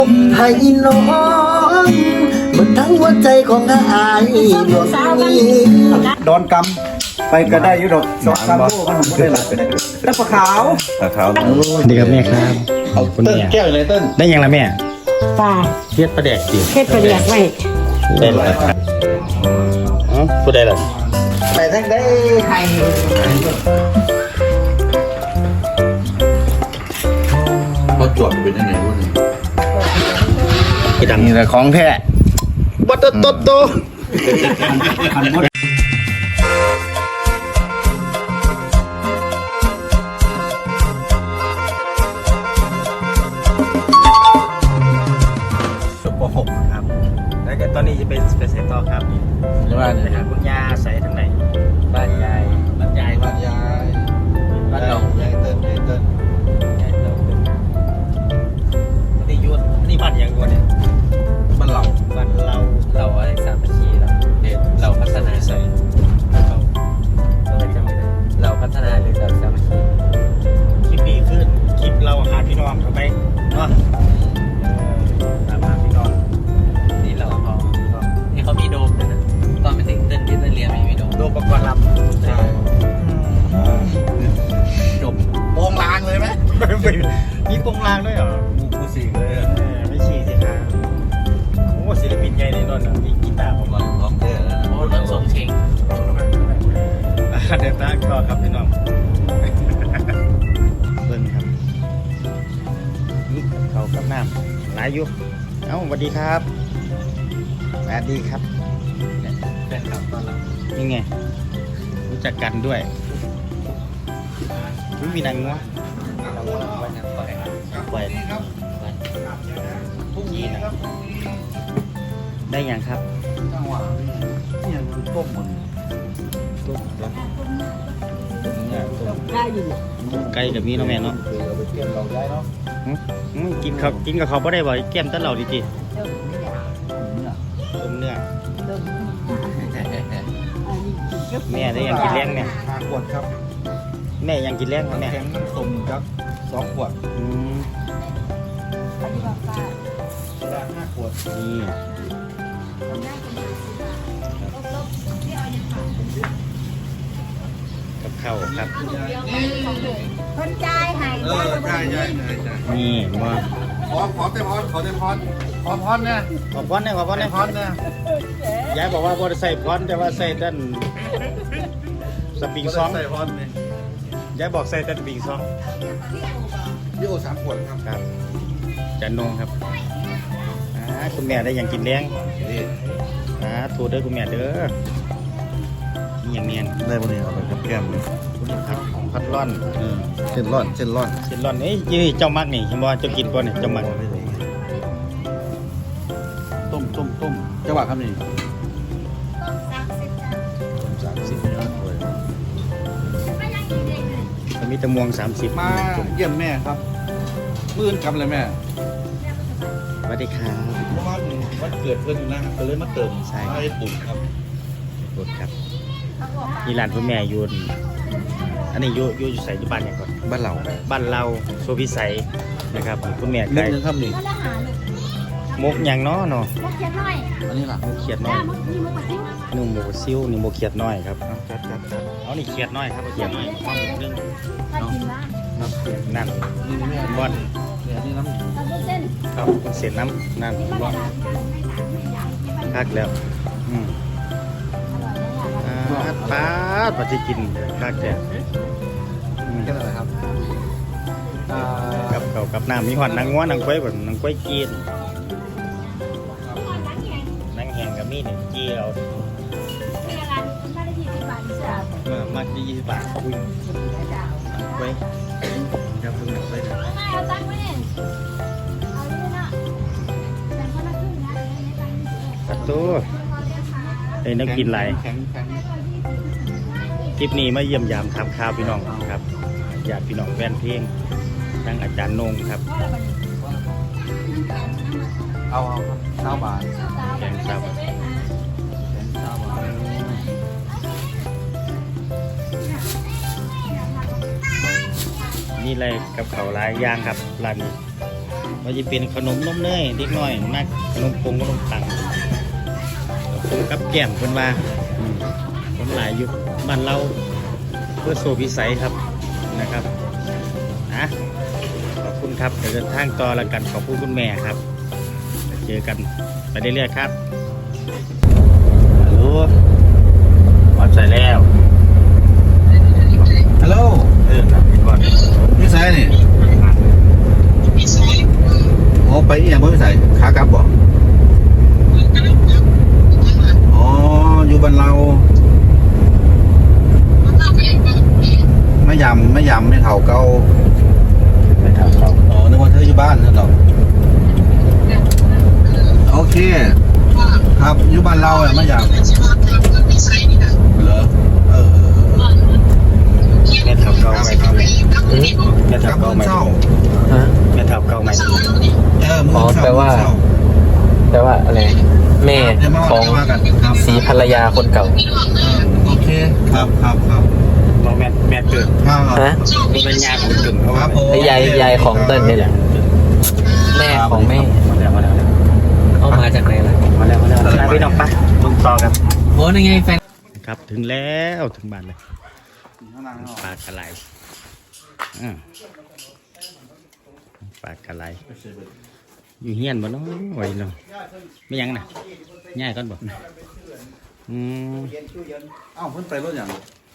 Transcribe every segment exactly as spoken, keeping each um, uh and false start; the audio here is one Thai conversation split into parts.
ให้น้องหมดทั้งหัวใจของอายดวงนี้ดอนกำไปก็ได้ยุดอกสองสามโลก็ทำได้หลายแล้วปลาขาวปลาขาวดีครับแม่ครับคุณเติ้ลแม่แก้วเลยเติ้ลได้ยังละแม่ปลาเทียดประแดกดิเฮ็ดประเดียกไว้ได้ละอ๋อพูดได้ละไปทั้งได้ไข่เขาจอดเป็นยังไงวะเนี่ยกี่ดังนี่แหละของแท้บัตโตโตโตปหกครับแล้วก็ตอนนี้จะเป็นเป็นเซตต่อครับนี่ใช่ไหมไปหาคุณย่าใส่ทางไหนบ้านยายบ้านยายบ้านยายบ้านเรายายเติ้ลยายเติ้ลยายเรานี่ยุทธนี่บ้านยังยุทธเนี่ยบ้านเราบ้านเราเราอะไรสามชีเราเด็เราพัฒนาใส่เราเราจำไม่ได้เราพัฒนาหรือเราสามชีคลิปดีขึ้นคลิปเราหาพี่น้องเขาไปเนาะตามหาพี่น้องนี่เราเขานี่เขามีโดมด้วยนะตอนไปถึงเต้นที่เต้นเรียนไม่มีโดมโดมประกอบลำใช่จบโปงลางเลยไหมมีโปงลางด้วยเหรอกูกูสิงเลยเออไม่ฉี่สิครับโอ้ศิลปินใหญ่ในนนท์อ่ะมีกีตาร์ผมมาพร้อมเท่แล้วโอ้รถส่งเชงเดี๋ยวตั้งต่อครับพี่น้องเบิ้งครับนี่เขากับน้ำหลายอยู่เอ้าสวัสดีครับสวัสดีครับแฟนคลับต้อนรับนี่ไงรู้จักกันด้วยไม่มีนางงัวเราไว้นะปล่อยปล่อยพรุ่งนี้นะครับได้ยังครับจังหวะนี่ยังต้มหมดต้มต้มเนี่ยต้มได้อยู่ต้มไก่กับมีเนาะแม่เนาะคือเราไปเที่ยวเราได้เนาะอืมอืมกินเขากินกับเขาไม่ได้บ่อยแก้มแตะเหล่าดีจีเดิมไม่อยากเนี่ยต้มเนื้อเดิมอันนี้กินก็แม่ได้ยังกินแรงเนี่ยห้าขวดครับแม่ยังกินแรงครับน้ำแม่แข็งน้ำส้มครับสองขวดอืมอันนี้แบบว่าโซดาห้าขวดนี่กับข้าวครับคนใจให้เออใช่ใช่ใช่ใช่นี่มาขอขอเต็มพรขอเต็มพรขอพรเนี่ยขอพรหน่อยขอพรหน่อยพรเนี่ยยายบอกว่าบ่ได้ใส่พรแต่ว่าใส่ด้านสปริงซองใส่พรเนี่ยยายบอกใส่แต่สปริงซองพี่โอสามขวดครับครับจันนงครับอ่าคุณแม่ได้ยังกินแรงนี่อ่าถูกเด้อคุณแม่เด้อนี่อย่างเนียนได้ปะเนี่ยเอาไปกับแก้มเลยคุณพัดพัดร่อนเออเส้นร่อนเส้นร่อนเส้นร่อนเอ้ยยี่เจ้ามักนี่เห็นบ่เจ้ากินบ่เนี่ยเจ้ามักต้มต้มต้มจังหวะครับนี่สามสิบมีแตะมวงสามสิบมาเยี่ยมแม่ครับมื่นกำเลยแม่สวัสดีครับเพราะว่าวันเกิดเพื่อนอยู่นะครับก็เลยมาเติมใช่ให้ปุ่นครับกดครับนี่ร้านคุณแม่อยูนอันนี้อยูอยูอยู่ใส่อยู่บ้านอย่างก่อนบ้านเราบ้านเราโซพิสัยนะครับคุณแม่นิไก่ดนึงครับนี่มกอย่างเนาะเนาะมกเขียนหน่อยอันนี้ล่ะมกเขียดน้อจ้าย มกนี่มกปัดทิ้งนุ่มหมูซิ่วนี่หมูเขียดน้อยครับจัดจัดจัดเอานี่เขียดน้อยครับเอาเขียดน้อยมาหมูนึงถ้ากินบ้างนั่นนี่แม่บอลเดี๋ยวนี้น้ำตำเส้นครับเสียน้ำนั่นบอลคักแล้วอืมอ่าปาดปฏิกินคักแท้อืมแค่นั้นแหละครับอ่ากับเขาวกับน้ำมีหอดนางงัวนางก้อยแบบนางก้อยกีนนางแหงกับมีดเนี่ยจีเอาเมื่อมากที่ยี่สิบบาทอุ้ยนางก้อยจะพึ่งนางก้อยนะเอาตังค์ไว้เนี่ยเอาเยอะนะแต่คนละครึ่งนะตัดตัวไอ้นักกินไหลายแข็งแข็งคลิปนี้มาเยี่ยมยามทำข้าวพี่น้องครับญาติพี่น้องแฟนเพลงทั้งอาจารย์นงครับเอาเอาครับเก้าบาทแกงซับแข็งเก้าบาทนี่อะไรกับเขาวหลายอย่างครับร้านนี้ว่าจะเป็นขนมนมเนยเล็กน้อยมากขนมปงขนมตังผมกับแก้มเพิ่นว่าอืมผมหลายอยู่บ้านเราเพื่อโซพิสัยครับนะครับนะขอบคุณครับเดี๋ยวเดินทางต่อแล้วกันขอบคุณคุณแม่ครับเจอกันไปเรื่อยๆครับฮัลโหลวัดใจแล้วฮัลโหลเออครับพี่บอลพี่สายนี่โอ้ไปอีหยังบ่พี่สายขากลับบ่อ๋ออยู่บ้านเราไม่ยำไม่ยำไม่เท่าเก่าไปถามเขาอ๋อนึกว่าเธออยู่บ้านนั่นหรอโอเคครับอยู่บ้านเราอะไม่ยำเหรอเออแม่ถามเก่าไหมครับแม่กถาลัมบเก่าเมื่ไหมอเช้าฮะแม่ถามเก่าไหมเออมื้อเช้าอ๋อแปลว่ามื้อเช้แปลว่าอะไรแม่เดี๋ยวมาของว่ากันครับสีภรรยาคนเก่าโอเคครับครับครับบอกแม่แม่เกิดครับฮะมันเป็นยาของถึงเขาคว่ารับผมแล้วยายยายของเติ้ลนี่แหละแม่ของแม่มาแล้วมาแล้วเอามาจากไหนล่ะมาแล้วมาแล้วมาพี่น้องปะลุงต่อกันโอ้ยไงแฟนครับถึงแล้วถึงบ้านเลยปลากระไรอ่าปลากระไรอยู่เฮียนบ่เนาะไว้เนาะไม่ยังน่ะง่ายก่อนบ่อืมเอ้าเพิ่นไปรถอย่าง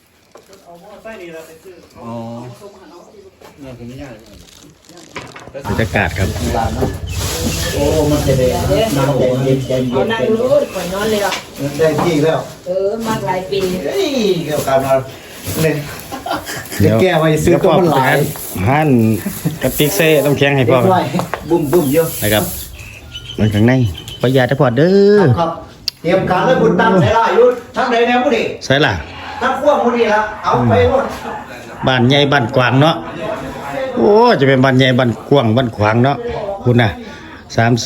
อ๋อเนี่ยผมไม่ยากบรรยากาศครับโอ้มันจะได้น้ำแดงเย็นเย็นเย็เอานนั่งรู้ก่อนนอนเลยหรอแดงจี้แล้วเออมากหลายปีเฮ้ยเกี่ยวกับเราเลยจะแก้ไว้ซื้อก็มันหลายหั่นกระติกเซ่ต้องแข็งให้พ่อด้วยบุ้มบุ้มเยอะนะครับมันข้างในประหยัดได้พอเด้อครับเตรียมการแล้วบุญตั้งใส่ละยุทธทั้งใดแนวผู้ดีใช่ล่ะทั้งขั้วผู้ดีละเอาไปหมดบ้านใหญ่บ้านกว้างเนาะโอ้จะเป็นบ้านใหญ่บ้านกว้างบ้านขวางเนาะคุณน่ะสาม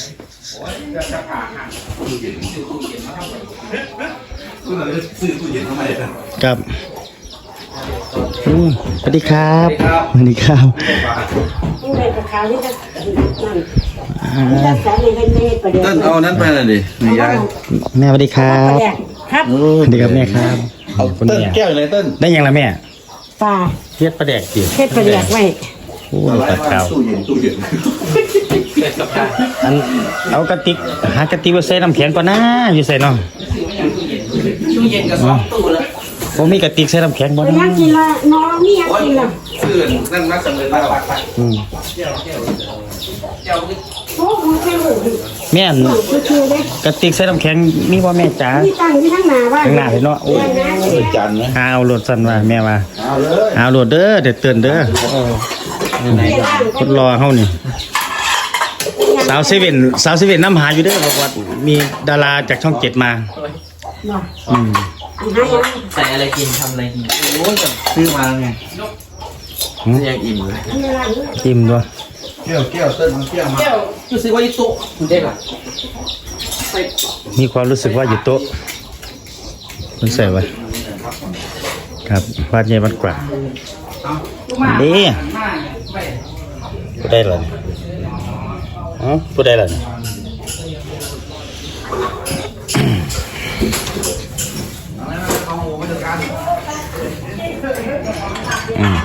ครับอืมสวัสดีครับสวัสดีครับผู้ใดกับเขาที่จะนั่นที่จะสอนในเมฆประเดี๋ยวเต้นเอานั้นไปเลยดินี่ยายแม่สวัสดีครับครับสวัสดีครับแม่ครับคุณเต้นแม่แก้วอยู่ไหนเต้นได้ยังละแม่ปลาเทียดประแดกจีเพชรประเดี๋ยวไว้โอ้ยตัดข่าวตู้เย็นตู้เย็นอันเอากระติกหากระติกมาใส่น้ำแข็งก่อนนะอยู่ใส่เนาะตู้เย็นกับสองตู้แล้วผมมีกระติกใส่น้ำแข็งบ่ไปนะยังกินละน้องนี่ยังกินละซื้อนั่นนักสำเร็จแล้วอืมโอ้โหแค่หูแม่นคือคือเลยกระติกใส่น้ำแข็งมีบ่แม่จ๋าที่ตั้งที่ทั้งหนาว่าข้างหน้าเลยเนาะโอ้ยจันนะหาเอาโหลดสั่นว่าแม่ว่าเอาเลยหาเอาโหลดเด้อเดี๋ยวเตือนเด้อคนรอเฮานี่สาวเซเว่นสาวเซเว่นน้ำหาอยู่เด้อบอกว่ามีดาราจากช่องเจ็ดมาอืมใส่อะไรกินทำอะไรกินโอ้ยซื้อมาไงยังอิ่มเลยจิ้มด้วยแก้วแก้วเต้นเอาแก้วมารู้สึกว่ายี่โต๊ะคุณได้ป่ะมีความรู้สึกว่าอยู่โต๊ะมันใส่ไว้ครับบ้านใหญ่บ้านกว่าดีผู้ได้เลยอ๋อผู้ได้เลยอืม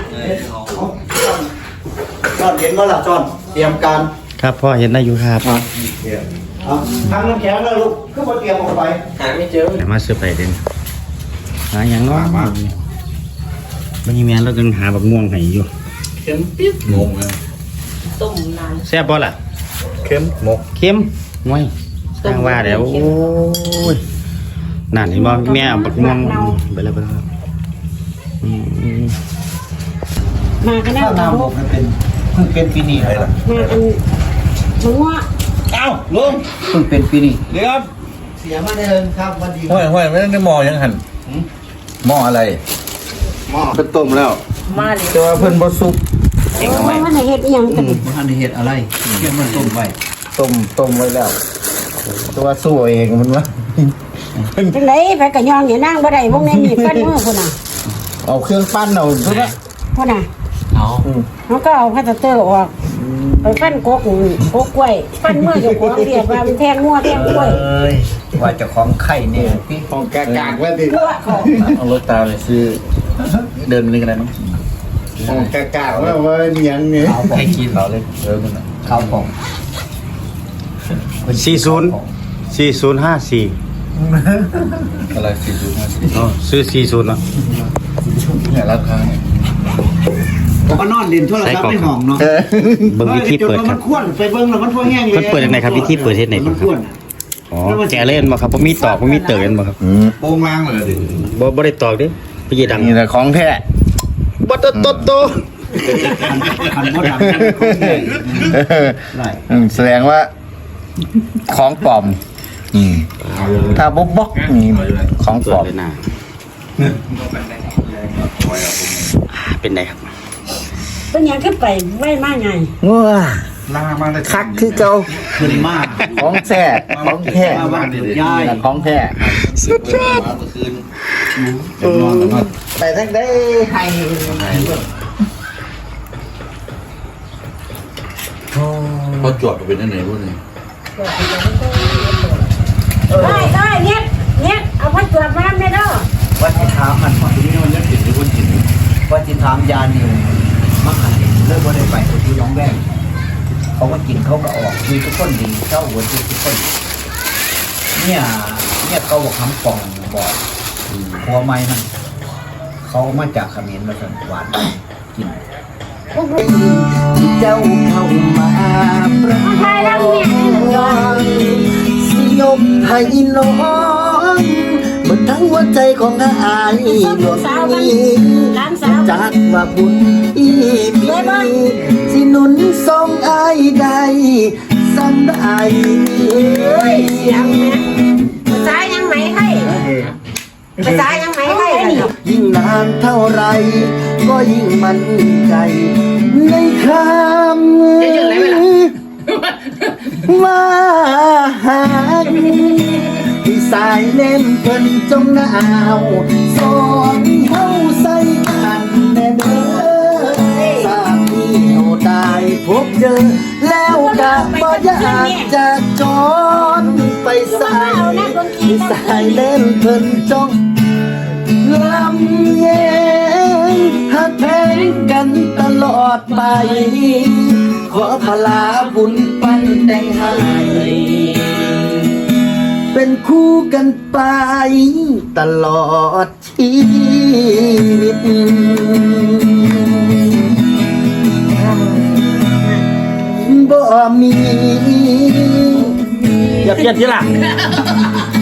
จอนเห็นว่าล่ะจอนเตรียมการครับพ่อเห็นได้อยู่ครับเอาทางน้ำแข็งแล้วลูกขึ้นมาเตรียมออกไปหาไม่เจอแต่มาเสื้อไปเด่นหาอย่างเน้อยบางทีแม่เราจึงหาบักม่วงให้อยู่เข็มปิ๊บงงเลยต้มนานแซ่บบ่ล่ะเข็มหมกเค็มงวยสร้างว่าแล้วโอ้ยนั่นเห็นบ่แม่เอาบักม่วงไปแล้วไปแล้วอืมมากันแล้ข้าว วหน้าหมกมันเป็นเพิ่งเป็นปีนี้เลยล่ะมากันมึงว่าเอ้าลุงเพิ่งเป็นปีนี้เดี๋ยวเสียมาได้เลยครับวันดีห้วยห้วยไม่ได้หมอยังหันหมออะไรหม้อเป็นต้มแล้วมาเลยแต่ว่าเพิ่นบ่สุกโอ้ยมันเห็ดยังกันมันทันได้เห็ดอะไรเกี่ยวมันต้มไว้ต้มต้มไว้แล้วตัวสู้เองมันวะจังไรไปกระยองอย่านั่งบ่ได้พวกนี้มีฟันมือคนน่ะเอาเครื่องปั้นเอาทุกละคนน่ะเอาเขาก็เอาพลาสเตอร์ออกไปฟันโกกโกกกล้วยฟันเมื่อเจ้าของเรียกว่ามันแทงงัวแทงกล้วยเอ้ยว่าเจ้าของไข่เนี่ยพี่ของกากากว่าดิเพื่อของเอารถตามไปซื้อ เดินไปนี่กันได้มั้งของกากากว่าว่าเนียงเนี่ยให้กินเราเลยเออมันน่ะข้าวของสี่ศูนย์สี่ศูนย์ห้าสี่อะไรสี่จุดห้าสิบอ๋อซื้อสี่ศูนย์เนาะเนี่ยราคาเนี่ยผมก็นอนเล่นโทรศัพท์ในห้องเนาะเบิ่งวิธีเปิดคมัรับนควนไปเบิ่งแล้วมันพอแห้งเลยมันเปิดยังไงครับวิธีเปิดเฮ็ดไหนครับมันควนอ๋อแกเล่นมาครับบ่มีตอกบ่มีเติร์กันบ่ครับอืมโป้งล่างเลยดิบ่บ่ได้ตอกเด้พี่ดังนี่แหละของแท้บ่โตโตโตคันบ่ดังของแห้งได้อืมแสดงว่า ของปลอม อืมถ้าบ๊อกบ๊อกนี่ของปเปิลดอมเลยนะเป็นไงครับเป็นหยังขึ้นไปไว้มาไงว้าล่ามาเลยคักคือเก่าขึ้นมากของแท้ของแท้มาบ้านยายนี่แหละของแท้สุดยอดไปทั้งได้ให้พอจวดเป็นยังไงพวกนี้ได้ได้เนี่ยเนี่ยเอาพัดตรวจมาไม่ได้ว่าจะถามมันว่าที่นี่มันยังติดอยู่บนจิตว่าจะถามยานิวมาขันเลิกว่าได้ไปที่น้องแว่งเขาก็กินเขาก็ออกมีทุกคนดีเจ้าหัวทุกคนเนี่ยเนี่ยเขาบอกคำปองบอกหัวไม้นั่นเขามาจากเขมรมาสันหวานกินที่เจ้าเข้ามาประคองสิยกให้น้องเมื่อทั้งหัวใจของอายดวงนี้หลานสาวจากว่าบุญอีมีสิหนุนทรงอายได้สำได้เฮ้ยเสียงเนี่ยภาษายังไหมให้ภาษายังไหมให้นี่ยิ่งนานเท่าไรก็ยิ่งมั่นใจในคำว่าหากที่สายเล่นเพิ่นจงหนาวสอนเฮาใส่กันแน่เด้อสามีเฮาได้พบเจอแล้วก็บ่อยากจะจอนไปใส่ที่สายเล่นเพิ่นจงลำเย็นหักแพงกันตลอดไป ขอพลาบุญปันแต่งให้เป็นคู่กันไปตลอดชีวิตบ่มีอย่าเปลี่ยนทีหลัง